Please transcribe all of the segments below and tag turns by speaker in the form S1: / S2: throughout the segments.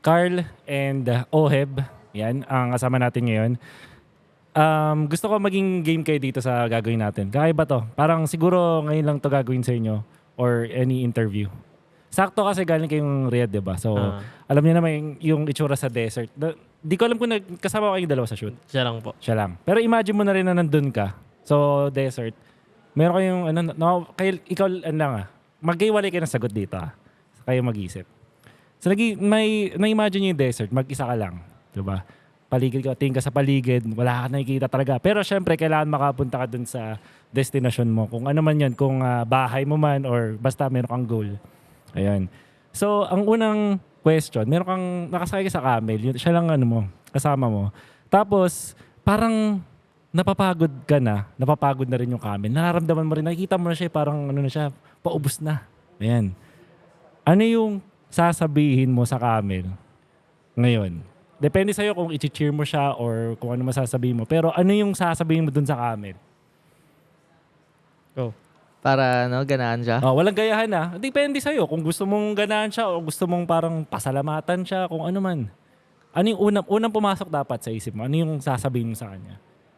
S1: Carl and Oheb. Yan, ang kasama natin ngayon. Gusto ko maging game kayo dito sa gagawin natin. Kakaiba to. Parang siguro ngayon lang to gagawin sa inyo or any interview. Sakto kasi galing kayong Riyadh, di ba? So, alam niyo naman yung itsura sa desert. Di ko alam kung kasama ko kayong dalawa sa shoot.
S2: Siya lang po.
S1: Siya lang. Pero imagine mo na rin na nandun ka. So, desert. Meron kayong, ikaw, magkaiwalay kayo ng sagot dito. Kayo mag-isip. So, na-imagine nyo yung desert, mag-isa ka lang. Diba? Paligid ka, tingin ka sa paligid, wala ka nakikita talaga. Pero syempre, kailangan makapunta ka dun sa destination mo. Kung ano man yan, kung bahay mo man or basta meron kang goal. Ayan. So, ang unang question, meron kang nakasakay ka sa camel, siya lang kasama mo. Tapos, parang napapagod na rin yung camel. Nararamdaman mo rin, nakikita mo na siya, parang paubos na. Ayan. Ano yung sasabihin mo sa camel ngayon? Depende sa'yo kung i-cheer mo siya or kung ano masasabihin mo. Pero ano yung sasabihin mo dun sa camel? Go.
S3: Para ganahan siya.
S1: Walang gayahan Depende sa'yo kung gusto mong ganahan siya o gusto mong parang pasalamatan siya, kung ano man. Ano yung unang pumasok dapat sa isip mo? Ano yung sasabihin mo sa kanya?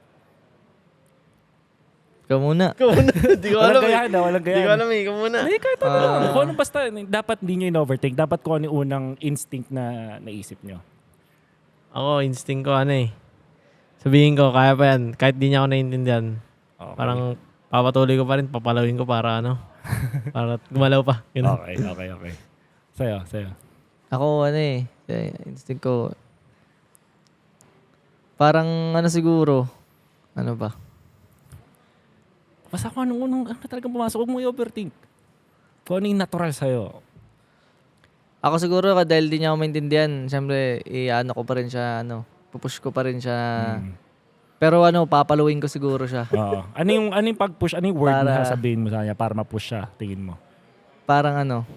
S3: Ikaw muna.
S2: Di ko alam.
S1: Walang gayahan.
S2: Di ko alam ikaw muna.
S1: Hindi, kahit kung ano basta, dapat hindi nyo in-overthink. Dapat kung ano yung unang instinct na naisip nyo.
S2: Ako, instinct ko sabihin ko, kaya pa yan. Kahit di niya ako naiintindihan.
S1: Okay.
S2: Parang papatuloy ko pa rin, papalawin ko para para gumalaw pa. Ganun.
S1: Okay. Sa'yo.
S3: Ako instinct ko. Parang siguro. Ano ba?
S1: Basta kung anong talagang pumasok, huwag mo i-overthink. Kung ano yung natural sa'yo.
S3: Ako siguro dahil di niya ako maintindihan, siyempre ko pa rin siya, pupush ko pa rin siya. Pero papaluin ko siguro siya.
S1: Oo. Ano yung pag-push, ano yung word na
S3: Para-
S1: sasabihin mo sa kanya para ma-push siya, tingin mo?
S3: Parang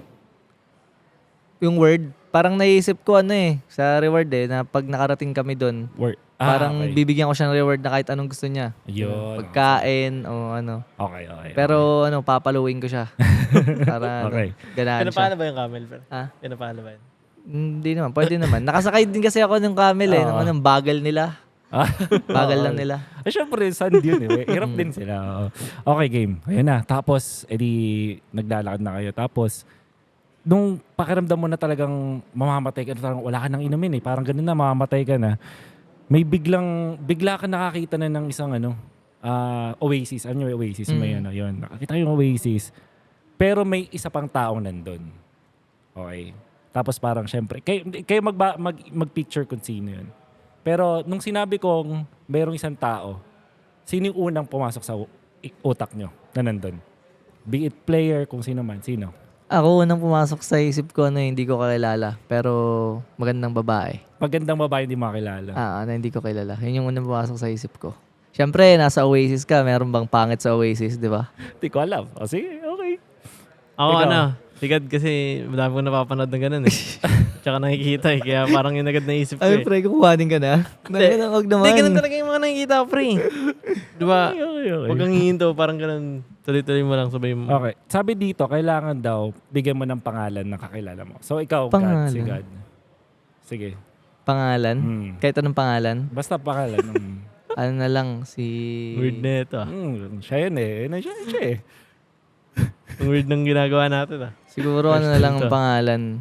S3: yung word, parang naisip ko sa reward na pag nakarating kami doon,
S1: Word.
S3: parang
S1: Okay.
S3: bibigyan ko siya ng reward na kahit anong gusto niya.
S1: Yun.
S3: Pagkain o
S1: Okay.
S3: Pero papaluin ko siya. Para
S1: Okay.
S3: ganahan siya.
S2: Pinapaano ba yung camel?
S3: Ha?
S2: Pinapaano ba yun?
S3: Hindi naman, pwede naman. Nakasakay din kasi ako ng camel
S1: Oo.
S3: ng bagal nila. Bagal lang nila.
S1: Syempre, sand yun Hirap din sila. Oo. Okay, game. Ayun na. Tapos, edi naglalakad na kayo. Tapos, nung pakiramdam mo na talagang mamamatay ka, parang wala ka nang inumin Parang ganun na, mamamatay ka na. May bigla ka nakakita na ng isang oasis. Ano yung oasis? May yun. Nakakita ko yung oasis. Pero may isa pang taong nandun. Okay. Tapos parang syempre, kayo mag-picture kung sino yun. Pero nung sinabi kong mayroong isang tao, sino yung unang pumasok sa utak nyo na nandun? Be it player, kung sino man. Sino?
S3: Ako unang pumasok sa isip ko hindi ko kakilala. Pero magandang babae.
S1: Magandang babae hindi makilala.
S3: Na hindi ko kilala. Yun yung unang pumasok sa isip ko. Siyempre, nasa Oasis ka. Meron bang pangit sa Oasis, di ba?
S1: Hindi ko alam. O sige, okay.
S2: Ako
S1: Ikaw?
S2: Sigad kasi madami ko napapanood ng ganun Tsaka nakikita Kaya parang yung agad naisip ko
S3: Ay, pre, kukuhanin ka na. Huwag naman.
S2: Hindi, ganun talaga yung mga nakikita ko, pre. Diba?
S1: Okay.
S2: Huwag kang hihinto, parang ganun. Tuloy-tuloy mo lang, sabay mo.
S1: Okay. Sabi dito, kailangan daw bigyan mo ng pangalan ng kakilala mo. So ikaw,
S3: Pangalan?
S1: God, si God. Sige.
S3: Pangalan? Kahit anong pangalan?
S1: Basta pangalan.
S3: Ano na lang, si...
S2: Weird na ito
S1: Siya yun siya
S2: Ang weird ng ginagawa natin
S3: Siguro ano na lang ang pangalan.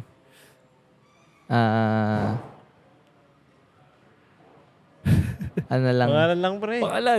S3: Ano na lang.
S2: Pangalan lang, pre.
S1: Pangalan.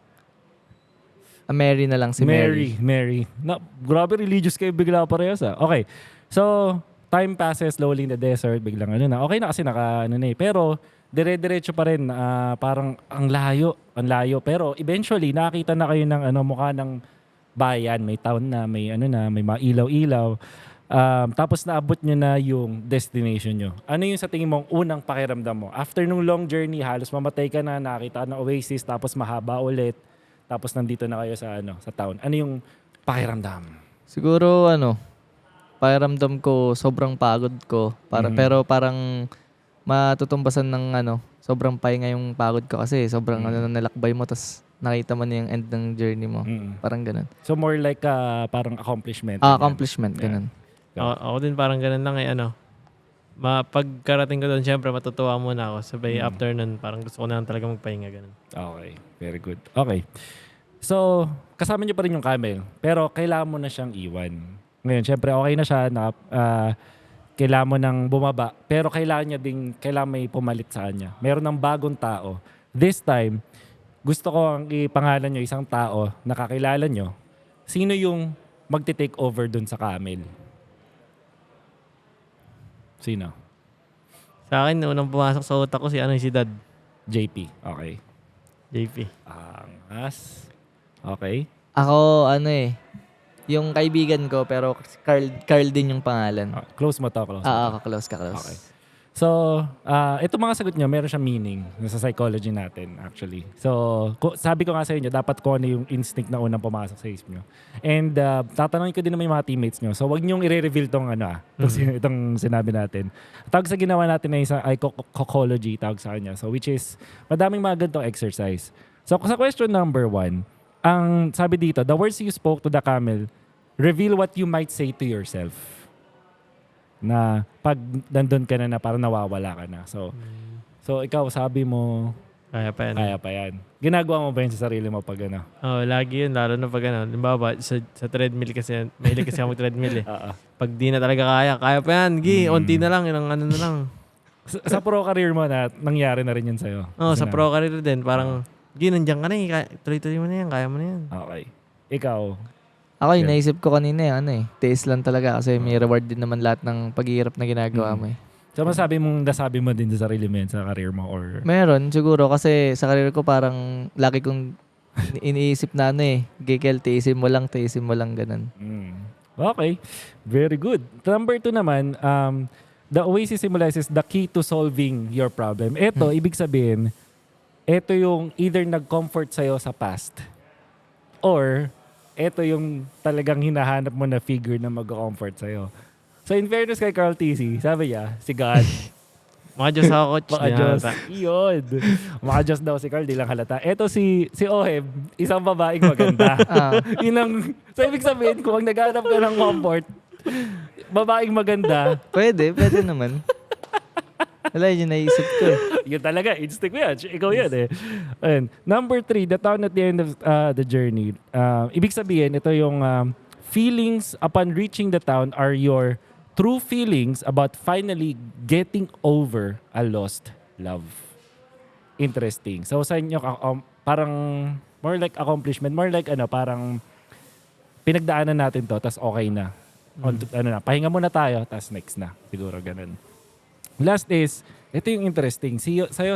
S3: Mary na lang, si Mary.
S1: Mary. Grabe religious kayo bigla parehas Okay. So, time passes slowly in the desert. Biglang Okay na kasi Pero, dire-diretso pa rin. Parang ang layo. Pero, eventually, nakakita na kayo ng mukha ng bayan. May town na, may may mga ilaw-ilaw. Tapos naabot nyo na yung destination nyo. Ano yung sa tingin mong unang pakiramdam mo? After nung long journey, halos mamatay ka na, nakita ng oasis, tapos mahaba ulit. Tapos nandito na kayo sa town. Ano yung pakiramdam?
S3: Siguro pakiramdam ko sobrang pagod ko. Pero parang matutumbasan ng sobrang pahinga yung pagod ko kasi sobrang nalakbay mo tas nakita mo na yung end ng journey mo. Parang ganun.
S1: So more like parang accomplishment.
S3: Accomplishment, ganun.
S2: Ako din parang ganun lang Pagkarating ko doon, syempre matutuwa muna ako. Sabay after nun, parang gusto ko na lang talaga magpahinga ganun.
S1: Okay, very good. Okay. So, kasama niyo pa rin yung camel, pero kailangan mo na siyang iwan. Ngayon, syempre okay na siya, kailangan mo nang bumaba, pero kailangan may pumalit sa kanya. Meron ng bagong tao. This time, gusto ko ang ipangalan nyo isang tao na kakilala nyo. Sino yung magti-take over dun sa camel? Sino?
S2: Sa akin, unang pumasok sa utak ko si Dad.
S1: JP. Okay.
S2: JP.
S1: Angas. Okay.
S3: Ako, yung kaibigan ko, pero Carl din yung pangalan.
S1: Close mo to, close mo to.
S3: Close.
S1: Okay. So, ito mga sagot nyo, meron siyang meaning sa psychology natin actually. So, sabi ko nga sa inyo, dapat ko ano yung instinct na unang pumasok sa isip nyo. And tatanungin ko din naman yung mga teammates nyo. So, wag nyong i-reveal itong sinabi natin. Tawag sa ginawa natin na isang psychology, tawag sa kanya. So, which is, madaming mga ganitong exercise. So, sa question number 1, ang sabi dito, the words you spoke to the camel, reveal what you might say to yourself. Na pag nandun ka na parang nawawala ka na. So ikaw sabi mo,
S2: Kaya pa yan.
S1: Ginagawa mo ba yun sa sarili mo pag ano?
S2: Lagi yun, lalo na pag limbawa, sa treadmill kasi, mahilig kasi ako treadmill eh. Pag di na talaga kaya pa yan, onti na lang, ilang ano na lang.
S1: Sa pro career mo na, nangyari na rin yun sa'yo?
S2: Sa pro career din, parang, nandiyan ka na tuloy-tuloy mo na yan, kaya mo na yan.
S1: Okay. Ikaw?
S3: Ako, naisip ko kanina tiis lang talaga kasi may reward din naman lahat ng paghihirap na ginagawa mo
S1: So, nasabi mo din sa sarili mo yan sa career mo? Or?
S3: Meron, siguro. Kasi sa career ko parang laki kong iniisip na Gikel, tiisin mo lang, ganun.
S1: Okay. Very good. Number 2 naman, the Oasis symbolizes the key to solving your problem. Ito, ibig sabihin, ito yung either nag-comfort sa'yo sa past or ito yung talagang hinahanap mo na figure na mag-comfort sa'yo. So in fairness kay Carl TC, sabi niya, si God.
S2: Mga Diyos ako, coach.
S1: Mga Diyos. Yun. Mga Diyos daw si Carl, di lang halata. Ito si Oheb, isang babaeng maganda. So ibig sabihin, kung naghanap ka ng comfort, babaeng maganda.
S3: Pwede naman. Wala, yun yung naisip ko
S1: Yun talaga, instinct mo yan. Ikaw yan eh. Ayun. Number 3, the town at the end of the journey. Ibig sabihin, ito yung feelings upon reaching the town are your true feelings about finally getting over a lost love. Interesting. So sa inyo, parang more like accomplishment, more like parang pinagdaanan natin to, tas okay na. Pahinga muna tayo, tas next na. Siguro ganun. Last is, ito yung interesting. Sa'yo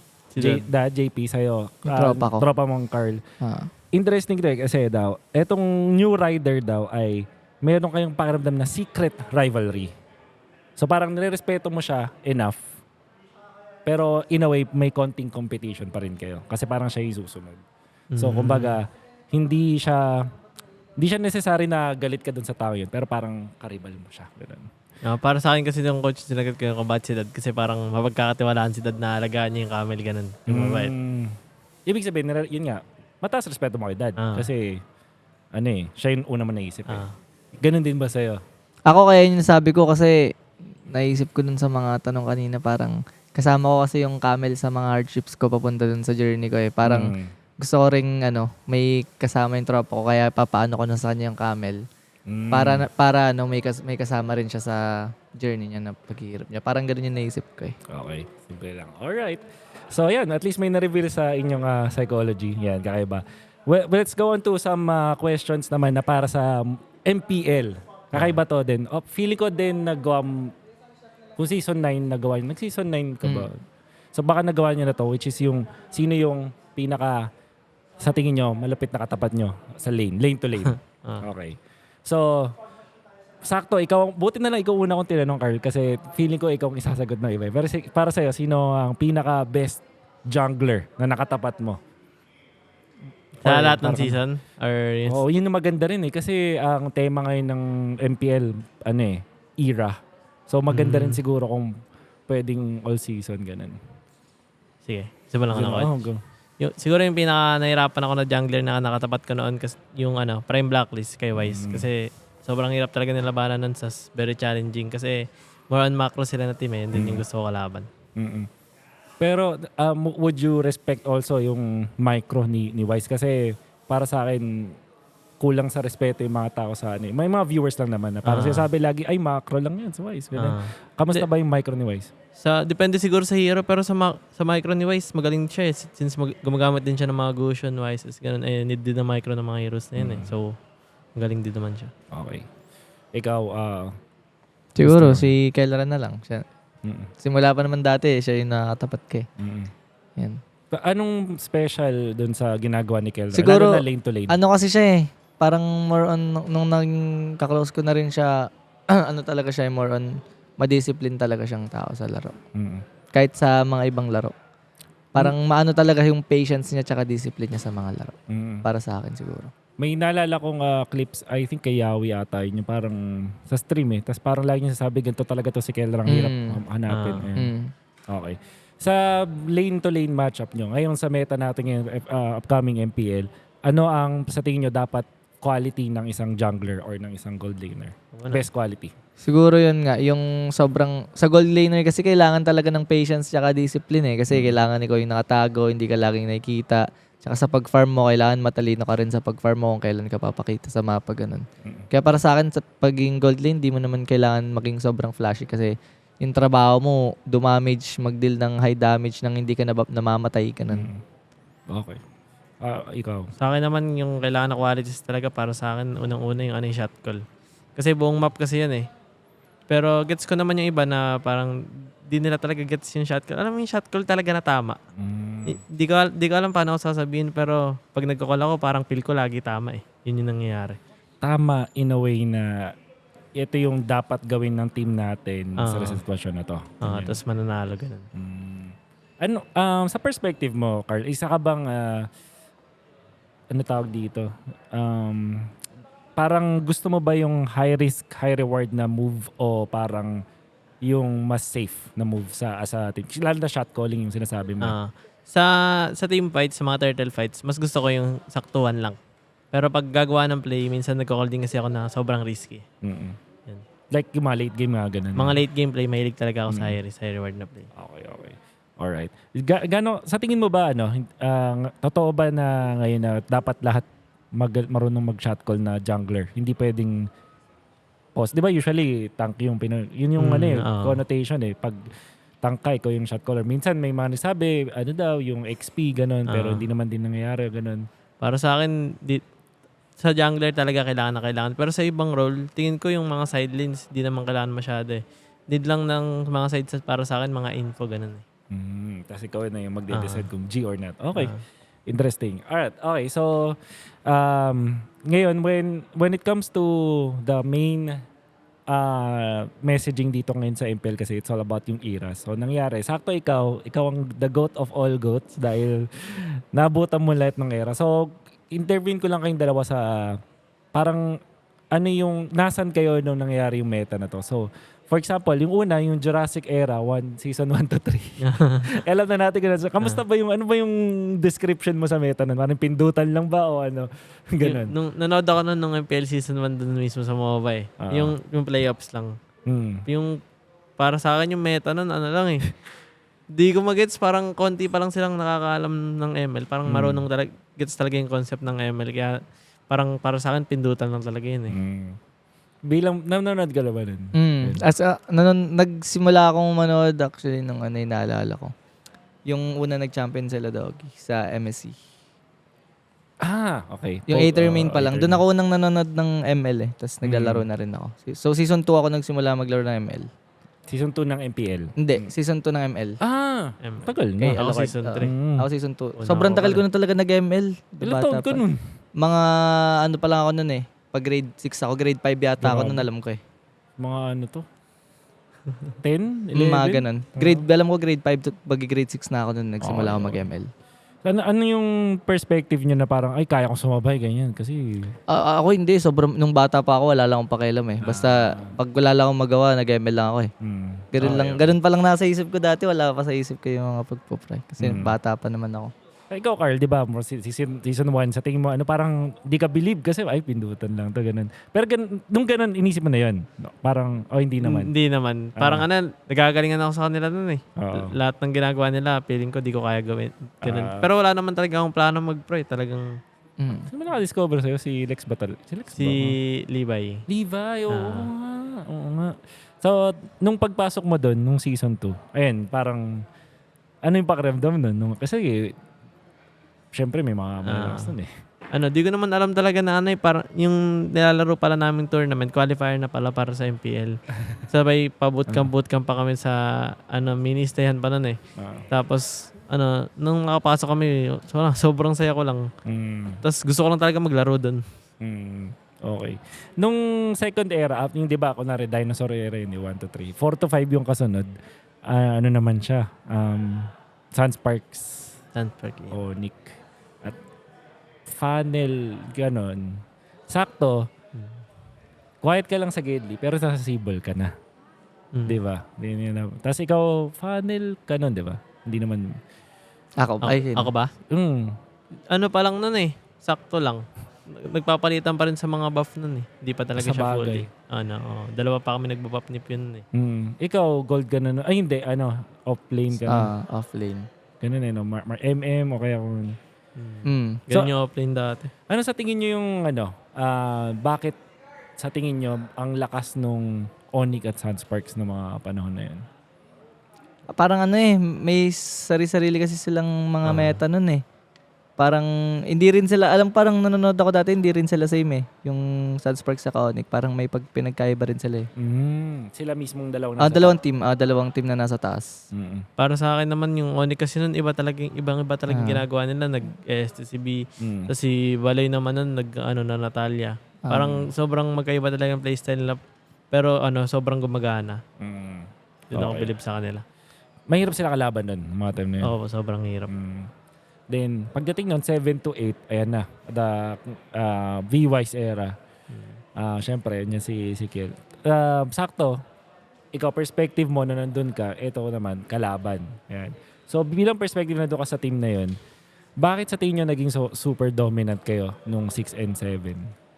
S1: JP, sa'yo.
S3: Tropa ko.
S1: Tropa mong Carl. Interesting kasi daw, etong new rider daw ay meron kayong pakiramdam na secret rivalry. So parang nirerespeto mo siya enough. Pero in a way, may konting competition pa rin kayo. Kasi parang siya yung susunod. So kumbaga, hindi siya necessary na galit ka dun sa tao yun. Pero parang karibal mo siya. Ganun.
S2: Para sa akin kasi yung coach, sinagot ko yung kabat si Dad kasi parang mapagkakatiwalaan si Dad na alagaan niya yung camel, ganun. Yung mabait.
S1: Ibig sabihin, yun nga, mataas respeto mo kay Dad. Kasi, siya yung una mo naisip eh. Ganun din ba sa'yo?
S3: Ako kaya yun sabi ko kasi naisip ko dun sa mga tanong kanina parang kasama ko kasi yung camel sa mga hardships ko papunta dun sa journey ko Parang gusto ko ring may kasama yung tropa ko kaya papaano ko na sa kanya yung camel. Para may kasama rin siya sa journey niya na paghihirap niya. Parang gano'n yung naisip ko
S1: Okay, simple lang. Alright. So yan, at least may na-reveal sa inyong psychology. Yan, kakaiba. Well, let's go on to some questions naman na para sa MPL. Kakaiba to din. Feeling ko din nagawa, kung season 9 nagawa nyo. Nag-season 9 ka ba? So baka nagawa nyo na to, which is yung, sino yung pinaka, sa tingin nyo, malapit na katapat nyo sa lane to lane. Okay. So, sakto, buti na lang ikaw una kong tinanong, Carl, kasi feeling ko ikaw ang isasagot ng iba. Pero para sa'yo, sino ang pinaka-best jungler na nakatapat mo?
S2: Sa lahat ng season?
S1: Yun yung maganda rin kasi ang tema ngayon ng MPL, era. So, maganda rin siguro kung pwedeng all season, ganun.
S2: Sige, isa lang ako. Siguro yung pinaka-nahirapan ako na jungler na nakatapat ko noon kasi yung Prime Blacklist kay Wise. Kasi sobrang hirap talaga nilabanan nun sa very challenging. Kasi more on macro sila na team eh. Yun din yung gusto ko kalaban.
S1: Mm-mm. Pero would you respect also yung micro ni Wise? Kasi para sa akin, kulang sa respeto yung mga tao sa ano. May mga viewers lang naman na parang sinasabi lagi, ay macro lang yan sa Wise. Kamusta ba yung micro ni Wise?
S2: Depende siguro sa hero, pero sa micro ni Wise, magaling siya eh. Since gumagamit din siya ng mga Gusion, Wises, ganun. Need din ng micro ng mga heroes na yun eh. So, magaling din naman siya.
S1: Okay. Ikaw,
S3: Siguro, si Kelleran na lang. Siya,
S1: mm-mm.
S3: simula pa naman dati, siya yung nakatapat ka eh.
S1: Mm-mm.
S3: Yan.
S1: Anong special dun sa ginagawa ni Kelra?
S3: Siguro,
S1: Lalo na lane to lane.
S3: Ano kasi siya eh, parang more on, nung naging kaklose ko na rin siya, ano talaga siya, more on, madiscipline talaga siyang tao sa laro.
S1: Mm-mm.
S3: Kahit sa mga ibang laro. Parang maano talaga yung patience niya tsaka discipline niya sa mga laro.
S1: Mm-mm.
S3: Para sa akin siguro.
S1: May naalala kong clips, I think kay Yawi ata yun, yung parang sa stream eh. Tapos parang lagi niya sasabi, ganito talaga to si Kelra, ang hirap hanapin. Ayan. Okay. Sa lane to lane matchup nyo, ngayon sa meta natin ngayon, upcoming MPL, ano ang sa tingin nyo dapat quality ng isang jungler or ng isang gold laner? Best quality.
S3: Siguro yun nga, yung sobrang, sa gold laner kasi kailangan talaga ng patience tsaka discipline eh. Kasi kailangan ikaw yung nakatago, hindi ka laging nakikita. Tsaka sa pag-farm mo, kailangan matalino ka rin sa pag-farm mo kung kailan ka papakita sa mapa, ganun. Kaya para sa akin, sa pagiging gold lane, di mo naman kailangan maging sobrang flashy kasi yung trabaho mo, dumamage, mag-deal ng high damage nang hindi ka namamatay, ganun.
S1: Okay. Ikaw?
S2: Sa akin naman, yung kailangan na qualities talaga para sa akin, unang-una yung shot call. Kasi buong map kasi yan eh. Pero gets ko naman yung iba na parang di nila talaga gets yung shot call. Alam mo yung shot call talaga na tama. Di ko alam paano ako sasabihin, pero pag nagko-call ako, parang feel ko lagi tama eh. Yun yung nangyayari.
S1: Tama in a way na ito yung dapat gawin ng team natin sa sitwasyon na to.
S2: Tapos mananalo, ganun.
S1: Ano, sa perspective mo, Carl, isa ka bang, ano tawag dito? Parang gusto mo ba yung high risk, high reward na move o parang yung mas safe na move sa team? Lalo na shot calling yung sinasabi mo.
S2: Sa team fights, sa mga turtle fights, mas gusto ko yung saktuhan lang. Pero pag gagawa ng play, minsan nagko-call din kasi ako na sobrang risky.
S1: Mm-mm.
S2: Yan.
S1: Like yung mga late game mga ganun.
S2: Mga late game play, mahilig talaga ako sa high risk, high reward na play.
S1: Okay. Alright. Sa tingin mo ba, totoo ba na ngayon na dapat lahat marunong mag-shot call na jungler? Hindi pwedeng pause. Di ba usually tank yung yun yung connotation eh. Pag tank ka, ikaw yung shot caller. Minsan may mga nasabi, yung XP, ganun. Pero hindi naman din nangyayari, ganun.
S2: Para sa akin, sa jungler talaga kailangan na kailangan. Pero sa ibang role, tingin ko yung mga side lanes, di naman kailangan masyado eh. Need lang ng mga sides para sa akin, mga info, ganun eh.
S1: Tapos ikaw na yung magde-decide kung G or not. Okay. Interesting. Alright. Okay. So, ngayon, when it comes to the main messaging dito ngayon sa MPL kasi it's all about yung era. So, nangyari, sakto ikaw ang the goat of all goats dahil nabutan mo lahat ng era. So, intervene ko lang kayong dalawa sa parang ano yung, nasan kayo nung nangyari yung meta na to. So, for example, yung una, yung Jurassic Era, season 1 to 3. Alam na natin ganun. So, kamusta ba ano ba yung description mo sa meta nun? Parang pindutan lang ba o ano? Ganun.
S2: Nung nanood ako nung MPL season 1 dun mismo sa MOBA eh. Yung playoffs lang. Yung, para sa akin yung meta nun, ano lang eh. Di ko magets, parang konti pa lang silang nakakaalam ng ML. Parang marunong talaga, gets talaga yung concept ng ML. Kaya parang para sa akin, pindutan lang talaga yun eh.
S1: Bilang, nanonood ka na ba nun?
S3: Nagsimula akong manood actually nung yung naalala ko. Yung una nag-champion sila Doggy sa MSC.
S1: Okay.
S3: Yung Aether main pa lang. Doon ako unang nanonood ng ML eh. Tapos naglalaro na rin ako. So season 2 ako nagsimula maglaro ng ML.
S1: Season 2 ng MPL?
S3: Hindi, season 2 ng ML.
S1: Tagal na.
S2: Okay, ako season 3.
S3: Ako season 2. Sobrang tagal ko na talaga nag-ML.
S1: Ilang taon ka nun?
S3: Mga ano pa lang ako nun eh. Pag grade 6 ako, grade 5 yata ako nun, alam ko eh.
S1: Mga ano to? 10? 11?
S3: Mga ganun. Alam ko grade 5 to grade 6 na ako nun, nagsimula ako mag-ML.
S1: Ano yung perspective nyo na parang, ay, kaya kong sumabay, ganyan? Kasi...
S3: ako hindi. Sobrang, nung bata pa ako, wala lang akong pakialam eh. Basta, pag wala lang akong magawa, nag-ML lang ako eh. Ganun pa lang nasa isip ko dati, wala pa sa isip ko yung mga pagpo-pry. Kasi bata pa naman ako.
S1: Ikaw, Carl, di ba, season 1, sa tingin mo, parang di ka believe kasi, ay, pindutan lang to, ganun. Pero nung ganun, inisip mo na yun. No? Parang, hindi naman.
S2: Hindi naman. Parang nagagalingan ako sa kanila nun eh.
S1: Oo.
S2: Lahat ng ginagawa nila, feeling ko di ko kaya gawin. Ganun. Pero wala naman talaga akong plano mag-pro eh. Talagang
S1: Sino ba naka-discover sa'yo? Si Lex Batal? Si Lex
S2: si Levi.
S1: Levi, oo nga. Oo nga. So, nung pagpasok mo doon, nung season 2, ayun, parang, ano yung pakiramdam nun? Kasi, syempre may mga malakas nun eh.
S2: Di ko naman alam talaga na parang yung nilalaro pala naming tournament, qualifier na pala para sa MPL. Sabay bootcamp pa kami sa mini-stayan pa nun eh. Tapos nung nakapasok kami, sobrang saya ko lang. Tapos gusto ko lang talaga maglaro doon.
S1: Okay. Nung second era, yung di ba, kunwari dinosaur era yun, 1 to 3. 4 to 5 yung kasunod. Ano naman siya? Sunsparks. O Nick. At funnel, ganon. Sakto. Quiet ka lang sa Gedli, pero sa Sibol ka na. Di ba? Tapos ikaw, funnel ka nun, di ba? Hindi naman...
S2: Ako ba? Ano pa lang nun eh. Sakto lang. Nagpapalitan pa rin sa mga buff nun eh. Hindi pa talaga
S1: Sa
S2: siya
S1: bagay.
S2: fully. Dalawa pa kami nagbabuff ni Pion eh.
S1: Ikaw, gold ka na. Ay, hindi. Off-lane ka na.
S3: Off-lane.
S1: Ganun eh, no? MM o kaya kung...
S2: Ganyan yung offlane dati.
S1: Ano sa tingin nyo yung bakit sa tingin nyo ang lakas nung Onyx at Sunsparks ng mga panahon na yun?
S3: Parang may sari-sarili kasi silang mga meta nun eh. Parang hindi rin sila, parang nanonood ako dati, hindi rin sila same eh. Yung Sunsparks sa Onyx, parang may pinagkaiba rin sila eh.
S1: Sila mismong dalawang
S3: Dalawang team na nasa taas.
S2: Para sa akin naman yung Onyx kasi nun, ibang talagang ginagawa nila. Nag-STCB. Tapos si Balay naman nun, na Natalia. Parang sobrang magkaiba talaga yung playstyle nila. Pero sobrang gumagana. Doon ako believe sa kanila.
S1: Mahirap sila kalaban nun, mga time na yun.
S2: Oo, sobrang hirap.
S1: Then, pagdating nun, 7 to 8, ayan na. The V-Wise era. Siyempre, yun si Kiel. Sakto, ikaw, perspective mo na nandun ka, ito naman, kalaban. Ayan. So, bilang perspective na doon ka sa team na yun, bakit sa tingin nyo naging super dominant kayo nung 6 and 7?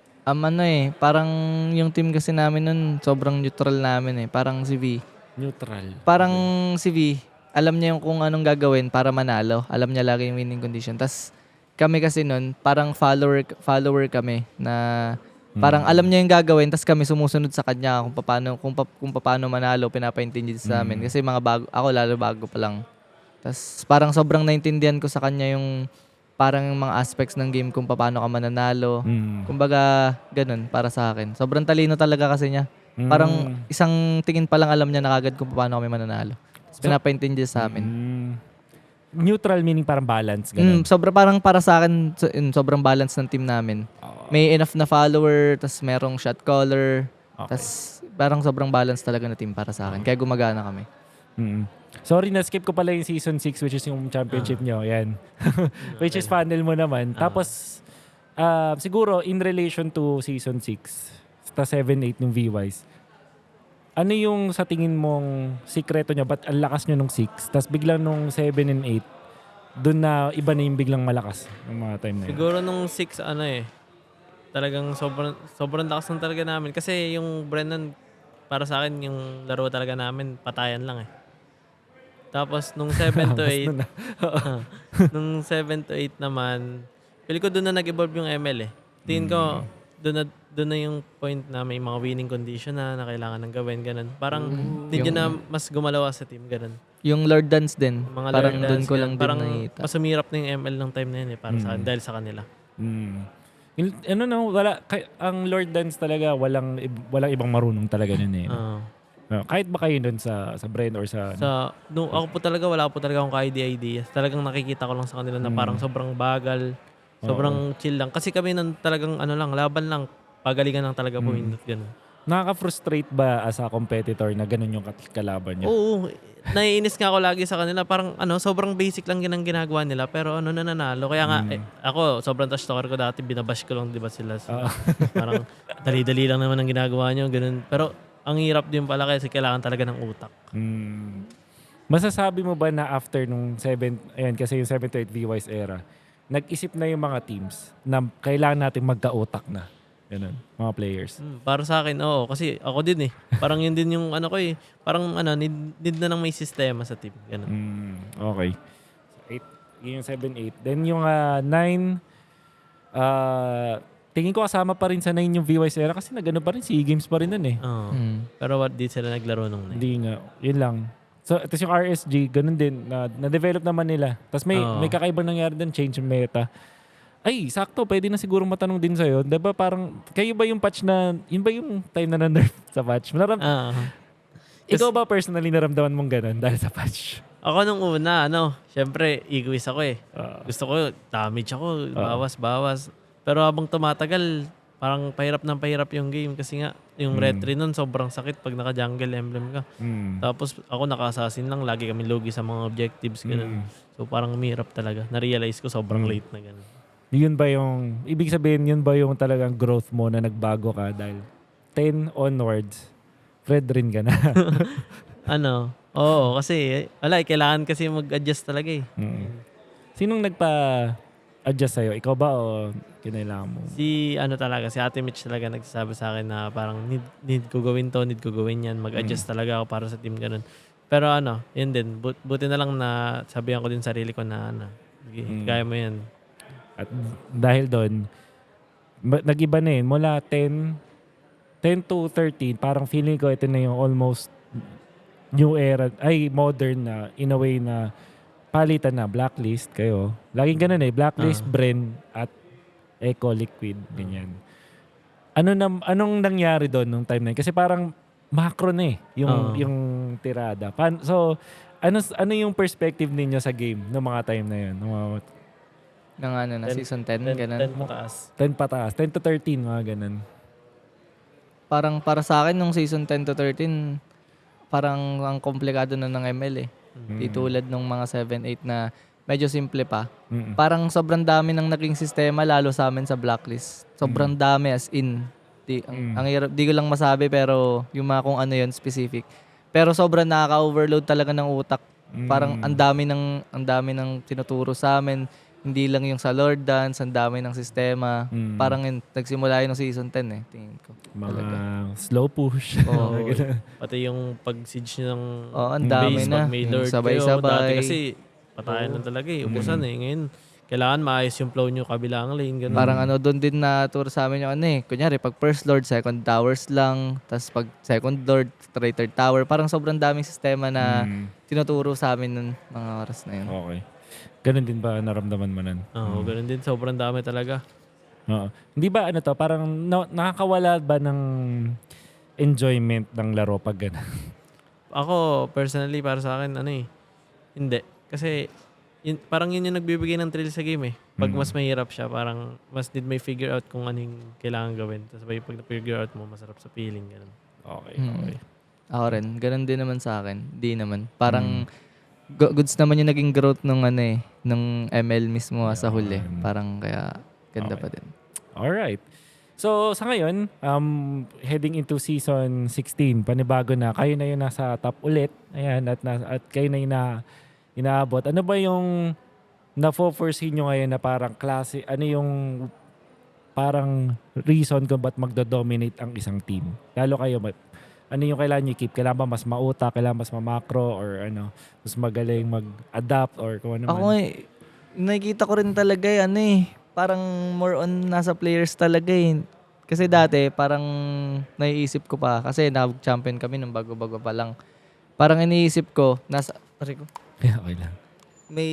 S3: Parang yung team kasi namin nun, sobrang neutral namin eh. Parang si V.
S1: Neutral.
S3: Parang si V, alam niya yung kung anong gagawin para manalo. Alam niya lagi yung winning condition. Tas kami kasi nun, parang follower kami na parang alam niya yung gagawin, tas kami sumusunod sa kanya kung paano manalo, pinapaintindi sa amin. Kasi ako lalo bago pa lang. Tas parang sobrang naintindihan ko sa kanya yung parang yung mga aspects ng game kung paano ka mananalo. Kumbaga, ganun para sa akin. Sobrang talino talaga kasi niya. Parang isang tingin pa lang alam niya na kagad kung paano kami mananalo. Pinapaintindi sa amin.
S1: Neutral meaning parang balance. Ganun.
S3: Parang para sa akin, sobrang balance ng team namin. May enough na follower, tas merong shot caller. Tas parang sobrang balance talaga na team para sa akin. Kaya gumagana kami.
S1: Sorry, na-skip ko pala yung season 6 which is yung championship nyo. Yan. Which is funnel mo naman. Tapos, siguro in relation to season 6, sa 7-8 ng V-Wise, ano yung sa tingin mong sikreto niya? Ba't ang lakas nyo nung 6? Tapos biglang nung 7 and 8, doon na iba na yung biglang malakas ng mga time na yun.
S2: Siguro nung 6, talagang sobrang lakas ng talaga namin. Kasi yung Brennan, para sa akin, yung laro talaga namin, patayan lang eh. Tapos nung 7 to 8, nung 7 to 8 naman, pili ko doon na nag-evolve yung ML eh. Tingin ko, doon na yung point na may mga winning condition na kailangan ng gawin, ganun. Parang hindi na mas gumalawa sa team, ganun.
S3: Yung Lord Dance din.
S2: Mga
S3: parang
S2: Lord
S3: doon
S2: Dance,
S3: ko lang din
S2: parang
S3: nakita.
S2: mas umirap na yung ML ng time na yun eh, para sa dahil sa kanila.
S1: Ang Lord Dance talaga, walang ibang marunong talaga nun eh. Kahit ba kayo nun sa Bren or sa...
S2: Ako po talaga, wala po talaga akong ka-idea. Talagang nakikita ko lang sa kanila na parang sobrang bagal, sobrang chill lang. Kasi kami nun talagang laban lang, pagalingan lang talaga po minute, ganun.
S1: Nakaka-frustrate ba as a competitor na ganun yung kalaban niya?
S2: Oo. Naiinis nga ako lagi sa kanila. Parang sobrang basic lang ang ginagawa nila. Pero nananalo. Kaya nga, ako, sobrang trash talker ko dati. Binabash ko lang, di ba sila? Parang dali-dali lang naman ang ginagawa nyo. Ganun. Pero ang hirap din pala kasi kailangan talaga ng utak.
S1: Masasabi mo ba na after nung ayan kasi yung 7 to 8 V-Wise era, nag-isip na yung mga teams na kailangan natin magka-utak na. Ganun, mga players.
S2: Para sa akin, oo. Kasi ako din eh. Parang yun din yung ano ko eh. Parang need na lang may sistema sa team. Ganun.
S1: Okay. So, 8, yun yung 7, 8. Then yung 9, tingin ko kasama pa rin sa 9 yung V-Wise era kasi nagano pa rin, SEA Games pa rin nun eh.
S2: Oo. Pero di sila naglaro nung night.
S1: Hindi nga. Yun lang. So, tapos yung RSG, ganun din. Na-develop naman nila. Tapos may kakaibang nangyari din, change yung meta. Ay, sakto. Pwede na siguro matanong din sa'yo. Diba parang, kayo ba yung patch na, yun ba yung time na na-nerf sa patch? Ikaw ba personally naramdaman mong ganun dahil sa patch?
S2: Ako nung una, syempre, egoist ako eh. Gusto ko, damage ako, bawas. Pero habang tumatagal, parang pahirap yung game kasi nga, yung retry nun sobrang sakit pag naka-jungle emblem ka. Tapos ako naka-assassin lang, lagi kami logi sa mga objectives, ganun. So parang mahirap talaga. Na-realize ko sobrang late na ganun.
S1: Yun ba yung, ibig sabihin, yun ba yung talagang growth mo na nagbago ka dahil 10 onwards, Fred rin ka na?
S2: Oo, kasi kailangan kasi mag-adjust talaga eh.
S1: Sinong nagpa-adjust sa'yo? Ikaw ba o kinailangan mo?
S2: Si Ate Mitch talaga nagsasabi sa akin na parang need ko gawin to, need ko gawin yan. Mag-adjust talaga ako para sa team ganun. Pero yun din. Buti na lang na sabihan ko din sarili ko na kaya mo yan.
S1: At dahil doon, nag-iba na yun. Mula 10 to 13, parang feeling ko ito na yung almost new era, ay modern na, in a way na palitan na, Blacklist kayo. Laging ganun eh, Blacklist, Bren, at Echo Liquid, ganyan. Anong nangyari doon nung time na yun? Kasi parang macro na eh, yung tirada. So, ano yung perspective ninyo sa game ng mga time na yun?
S3: Na season 10, ganun.
S2: 10 pataas.
S1: 10 pataas, 10 to 13, mga ganun.
S3: Parang para sa akin, nung season 10 to 13, parang ang komplikado na ng ML eh. Di tulad nung mga 7, 8 na medyo simple pa. Parang sobrang dami ng naging sistema, lalo sa amin sa Blacklist. Sobrang dami as in. Ang hirap, di ko lang masabi pero yung mga kung ano yun, specific. Pero sobrang nakaka-overload talaga ng utak. Parang ang dami ng tinuturo sa amin. Hindi lang yung sa Lord Dance, ang dami ng sistema. Parang nagsimula yun ng season 10 eh, tingin ko.
S1: Mga slow push.
S3: Oo.
S2: Pati yung pag-siege ng
S3: ang dami
S2: base,
S3: na.
S2: pag may
S3: Yung
S2: Lord
S3: sabay-sabay.
S2: kayo. Dati kasi patayan lang talaga eh. Ubusan eh. Ngayon, kailangan maayos yung flow nyo kabilang lane. Ganun.
S3: Parang doon din na tour sa amin yung kunyari, pag first Lord, second towers lang. Tapos pag second Lord, third tower. Parang sobrang daming sistema na tinuturo sa amin ng mga oras na yun.
S1: Okay. Ganun din ba naramdaman mo nun?
S2: Oo, ganun din. Sobrang dami talaga.
S1: Oo. Hindi ba parang nakakawala ba ng enjoyment ng laro pag gano'n?
S2: Ako, personally, para sa akin, hindi. Kasi, parang yun yung nagbibigay ng thrill sa game eh. Pag mas mahirap siya, parang mas need may figure out kung ano yung kailangan gawin. Tapos pag na-figure out mo, masarap sa feeling. Ganun.
S1: Okay.
S3: Ako rin. Ganun din naman sa akin. Di naman. Parang goods naman yung naging growth nung nung ML mismo sa huli. Parang kaya ganda pa din.
S1: Alright. So, sa ngayon, heading into season 16, panibago na. Kayo na yung nasa top ulit. Ayan, at kayo na yung inaabot. Ano ba yung na-foresee nyo ngayon na parang klase, ano yung parang reason kung ba't magdo-dominate ang isang team? Lalo kayo, ano yung kailangan nyo i-keep? Kailangan ba mas mauta? Kailangan mas mamakro? Or mas magaling mag-adapt? Or kung ano man?
S3: Ako nakikita ko rin talaga parang more on nasa players talaga eh. Kasi dati, parang naiisip ko pa. Kasi nag-champion kami nung bago-bago pa lang. Parang iniisip ko, okay
S1: lang.
S3: May...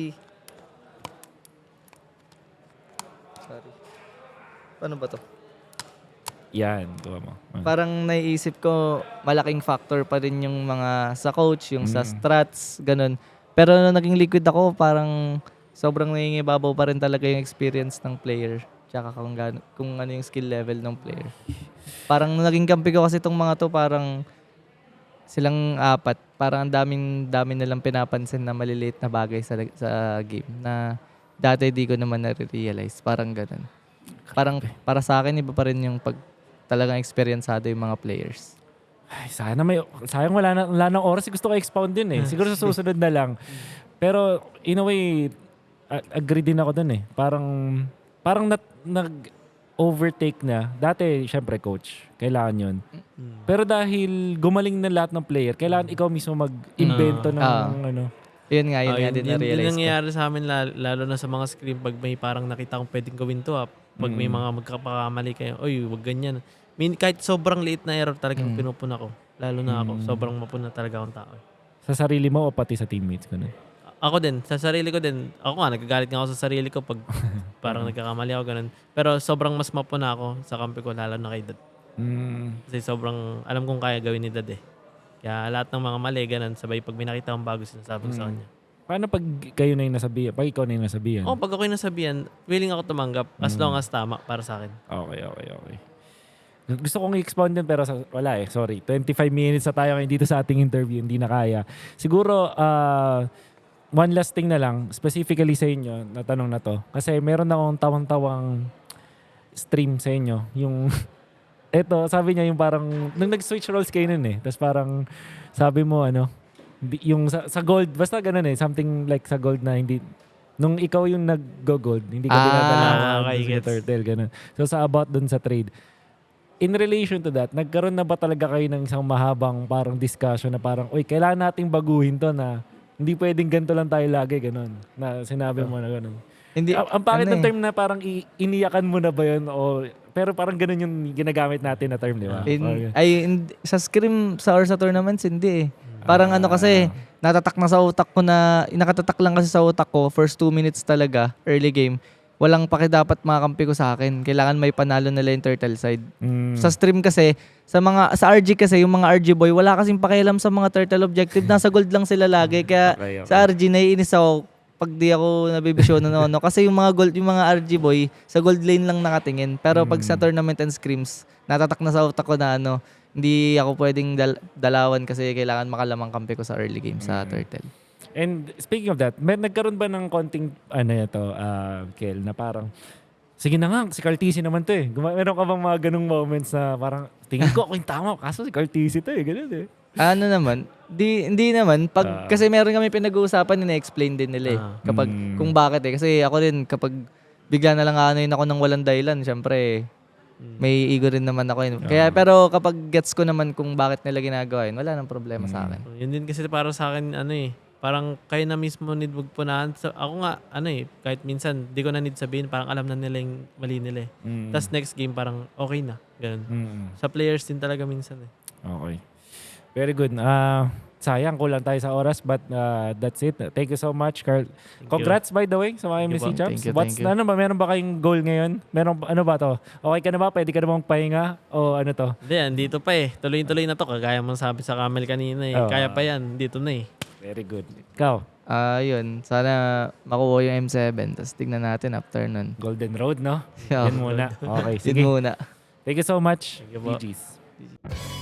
S3: Sorry. Paano ba to?
S1: Yan, gawa mo.
S3: Parang naiisip ko, malaking factor pa rin yung mga sa coach, yung sa strats, ganun. Pero nung naging liquid ako, parang sobrang nangingibabaw pa rin talaga yung experience ng player. Tsaka kung ano yung skill level ng player. Parang nung naging kampi ko kasi itong mga to, parang silang apat. Parang dami nilang pinapansin na maliliit na bagay sa game na dati di ko naman na-realize. Parang ganun. Parang para sa akin, iba pa rin yung talagang experienceado yung mga players.
S1: Ay, sayang wala nang oras. Gusto ko expound din eh. Siguro sa susunod na lang. Pero in a way, agree din ako dun eh. Parang nag-overtake na. Dati, syempre coach. Kailangan yun. Pero dahil gumaling na lahat ng player, kailangan ikaw mismo mag-invento ng ano.
S3: Yun nga din
S2: Yun
S3: na-realize ko.
S2: nangyayari sa amin lalo na sa mga screen pag may parang nakita kong pwedeng gawin to. Pag may mga magkapakamali kayo, oy, wag ganyan. Kahit sobrang liit na error talagang pinupuna ko. Lalo na ako, sobrang mapuna talaga akong tao.
S1: Sa sarili mo o pati sa teammates ko na?
S2: Ako din, sa sarili ko din. Ako nga, nagagalit nga ako sa sarili ko pag parang nagkakamali ako, ganun. Pero sobrang mas mapuna ako sa kampi ko, lalo na kay Dad. Kasi sobrang, alam kong kaya gawin ni Dad eh. Kaya lahat ng mga mali, ganun, sabay pag may nakita akong bago, sinasabi ko sa kanya.
S1: Paano pag kayo na yung nasabihan? Pag ikaw na yung nasabihan?
S2: Pag ako yung nasabihan, willing ako tumanggap as long as tama para sa akin.
S1: Okay. Gusto kong i-expound din pero wala eh. Sorry. 25 minutes na tayo ngayon dito sa ating interview. Hindi na kaya. Siguro, one last thing na lang. Specifically sa inyo, na tanong na to. Kasi meron akong tawang-tawang stream sa inyo. Yung, eto, sabi niya yung parang, nung nag-switch roles kayo nun eh. Tapos parang, sabi mo yung sa gold, basta ganun eh. Something like sa gold na hindi, nung ikaw yung nag-go-gold, hindi ka dinadalawan
S2: okay,
S1: sa
S2: gets.
S1: turtle, ganun. So sa about dun sa trade, in relation to that, nagkaroon na ba talaga kayo ng isang mahabang parang discussion na parang, uy, kailangan nating baguhin to na hindi pwedeng ganito lang tayo lagi, ganun. Na sinabi mo na ganun.
S3: Hindi,
S1: Ang pangit ng
S3: ano
S1: term na parang iniyakan mo na ba yun? Pero parang ganun yung ginagamit natin na term, di ba?
S3: sa scrim or sa tournaments, hindi eh. Parang kasi, nakatatak lang kasi sa utak ko, first 2 minutes talaga, early game, walang dapat makakampi ko sa akin. Kailangan may panalo nila yung turtle side. Sa stream kasi, sa RG kasi, yung mga RG boy, wala kasing pakialam sa mga turtle objective. Nasa gold lang sila lagi. Kaya
S1: Okay.
S3: sa RG, naiinis ako pag di ako nabibisyonan no. Kasi yung mga RG boy, sa gold lane lang nakatingin. Pero pag sa tournament and scrims, natatak na sa utak ko na hindi ako pwedeng dalawan kasi kailangan makalamang kampi ko sa early game sa turtle.
S1: And speaking of that, nagkaroon ba ng konting, Kel, na parang, sige na nga, si Cartesi naman to eh. Meron ka bang mga ganung moments na parang, tingin ko ako yung tama, kaso si Cartesi to eh, ganun eh.
S3: Ano naman, hindi naman. Kasi meron kami pinag-uusapan, na-explain din nila eh. Kapag, kung bakit eh. Kasi ako din, kapag bigla na lang ako ng walang dahilan, syempre, may ego rin naman ako yun. Kaya, pero kapag gets ko naman kung bakit nila ginagawa yun, wala nang problema sa akin.
S2: Yun din kasi para sa akin, parang kayo na mismo need magpunahan. Ako nga, kahit minsan, di ko na need sabihin, parang alam na nila yung mali nila eh. Tapos next game, parang okay na. Ganun. Sa players din talaga minsan eh.
S1: Okay. Very good. Sayang, kulang tayo sa oras, but that's it. Thank you so much, Carl. Congrats, by the way, sa mga MSC Champs.
S3: Thank you.
S1: Meron ba kayong goal ngayon? Ano ba to? Okay ka na ba? Pwede ka na bang pahinga? O ano to?
S2: Hindi, andito pa eh. Tuloy-tuloy na to. Kagaya mo sabi sa Camel kanina eh. Kaya pa yan. Dito na eh.
S1: Very good. Ikaw,
S3: Yun. Sana makuha yung M7. Tapos tignan natin after nun.
S1: Golden Road, no?
S3: Yeah.
S1: Yan muna. Okay, sige.
S3: Yun muna.
S1: Thank you so much.
S2: Thank you po.
S1: GG's.